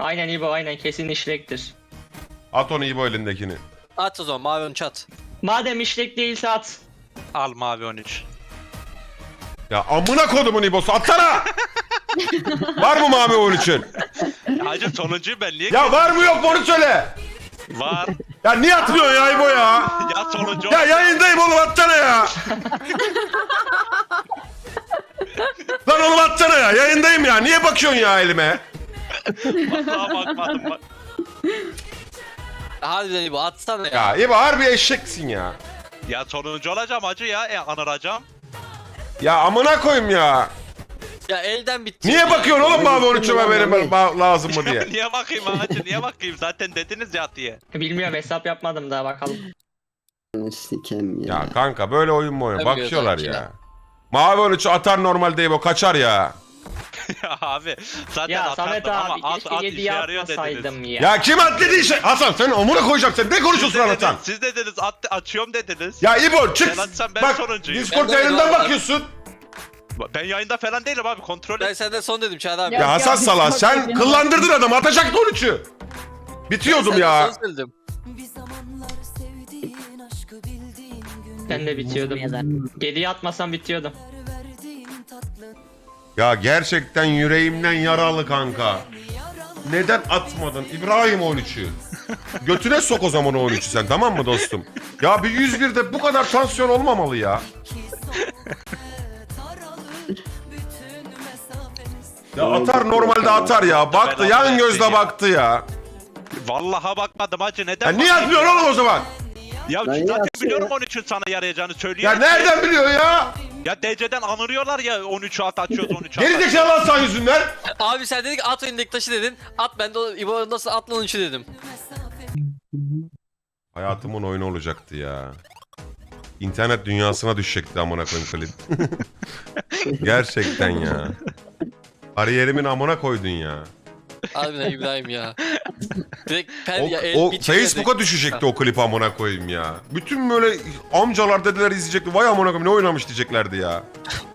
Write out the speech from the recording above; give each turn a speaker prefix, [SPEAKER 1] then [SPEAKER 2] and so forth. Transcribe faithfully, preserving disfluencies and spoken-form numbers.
[SPEAKER 1] Aynen İbo, aynen kesin işlektir.
[SPEAKER 2] At onu İbo elindekini.
[SPEAKER 3] At o zaman mavi on üç at.
[SPEAKER 1] Madem işlek değilse at.
[SPEAKER 4] Al mavi on üç.
[SPEAKER 2] Ya amına kodumun İbo'su atsana! Var mı mavi on üçün?
[SPEAKER 4] Hacı sonuncuyu ben niye...
[SPEAKER 2] Ya var mı yok mu onu söyle.
[SPEAKER 4] Var.
[SPEAKER 2] Ya niye atmıyorsun ya İbo ya?
[SPEAKER 4] Ya sonuncu...
[SPEAKER 2] Ya yayındayım oğlum atsana ya. Lan oğlum atsana ya yayındayım ya. Niye bakıyorsun ya elime?
[SPEAKER 4] Vallahi bakmadım bak.
[SPEAKER 3] Harbiden bu atsana ya.
[SPEAKER 2] Ya İbo harbi eşeksin ya.
[SPEAKER 4] Ya sonuncu olacağım hacı ya. E, anıracağım.
[SPEAKER 2] Ya amına koyayım ya.
[SPEAKER 3] Ya elden bitti.
[SPEAKER 2] Niye
[SPEAKER 3] ya.
[SPEAKER 2] bakıyorsun oğlum mavi on üçüme benim ba- lazım mı diye.
[SPEAKER 4] Niye bakayım hacı niye bakayım? Zaten dediniz ya diye.
[SPEAKER 1] Bilmiyorum, hesap yapmadım daha, bakalım.
[SPEAKER 5] Sikem ya.
[SPEAKER 2] Ya kanka böyle oyun mu oyun?
[SPEAKER 3] Tabii
[SPEAKER 2] Bakıyorlar
[SPEAKER 3] gözler
[SPEAKER 2] ya. Mavi on üçü atar normalde İbo kaçar ya.
[SPEAKER 4] Ya abi zaten
[SPEAKER 1] Ya Samet
[SPEAKER 4] atardım
[SPEAKER 1] abi
[SPEAKER 4] ama at
[SPEAKER 1] keşke
[SPEAKER 4] at işe
[SPEAKER 1] yediye
[SPEAKER 4] yarıyor dediniz.
[SPEAKER 1] atmasaydım ya.
[SPEAKER 2] Ya kim at dediği şey? Hasan sen amına koyacaksın. Ne
[SPEAKER 4] Siz
[SPEAKER 2] konuşuyorsun lan Hasan?
[SPEAKER 4] dediniz, siz dediniz at, açıyorum dediniz.
[SPEAKER 2] Ya İbo çık.
[SPEAKER 4] Ben atsam ben
[SPEAKER 2] Bak
[SPEAKER 4] sonuncuyum.
[SPEAKER 2] Discord
[SPEAKER 3] Ben de
[SPEAKER 2] yayından
[SPEAKER 3] öyle
[SPEAKER 2] bakıyorsun.
[SPEAKER 4] Ben yayında falan değilim abi kontrol
[SPEAKER 3] Ben
[SPEAKER 4] et.
[SPEAKER 3] senden son dedim Çağrı abi.
[SPEAKER 2] Ya,
[SPEAKER 6] Ya,
[SPEAKER 2] Hasan
[SPEAKER 6] ya,
[SPEAKER 2] Salah
[SPEAKER 6] Discord
[SPEAKER 2] sen
[SPEAKER 6] yayından
[SPEAKER 2] kıllandırdın adamı. Atacaktı on üçü. Bitiyordum
[SPEAKER 3] Senden
[SPEAKER 2] ya.
[SPEAKER 3] son söyledim.
[SPEAKER 1] Ben de bitiyordum. Geriye atmasam bitiyordum.
[SPEAKER 2] Ya gerçekten yüreğimden yaralı kanka. Neden atmadın İbrahim on üçü? Götüne sok o zaman o on üçü sen, tamam mı dostum? Ya bir yüz birde bu kadar tansiyon olmamalı ya. Ya atar normalde atar ya. Baktı yan gözle baktı ya.
[SPEAKER 4] Vallaha bakmadım hacı neden?
[SPEAKER 2] Ya niye
[SPEAKER 4] bakayım?
[SPEAKER 2] atmıyorsun oğlum o zaman?
[SPEAKER 4] Ya
[SPEAKER 5] Lan
[SPEAKER 4] zaten
[SPEAKER 5] ya,
[SPEAKER 4] biliyorum
[SPEAKER 5] ya.
[SPEAKER 4] on üçün sana yarayacağını
[SPEAKER 2] Ya
[SPEAKER 4] söylüyor.
[SPEAKER 2] nereden biliyor ya?
[SPEAKER 4] Ya D C'den anırıyorlar ya on üçü at açıyoruz on üçü at.
[SPEAKER 2] Geri zekalı Hasan yüzünden.
[SPEAKER 3] Abi sen dedik at oyundaki taşı dedin. At ben de o- İbo nasıl at lan on üçü dedim.
[SPEAKER 2] Hayatımın oyunu olacaktı ya. İnternet dünyasına düşecekti amına koyayım klip. Gerçekten ya. Kariyerimin amına koydun ya.
[SPEAKER 3] Harbiden İbrahim ya. Direkt pen
[SPEAKER 2] O,
[SPEAKER 3] ya el
[SPEAKER 2] o
[SPEAKER 3] bir çıkıyor
[SPEAKER 2] Facebook'a
[SPEAKER 3] direkt.
[SPEAKER 2] düşecekti o klip amına koyayım ya. Bütün böyle amcalar dedeler izleyecekti. Vay amına koyayım ne oynamış diyeceklerdi ya.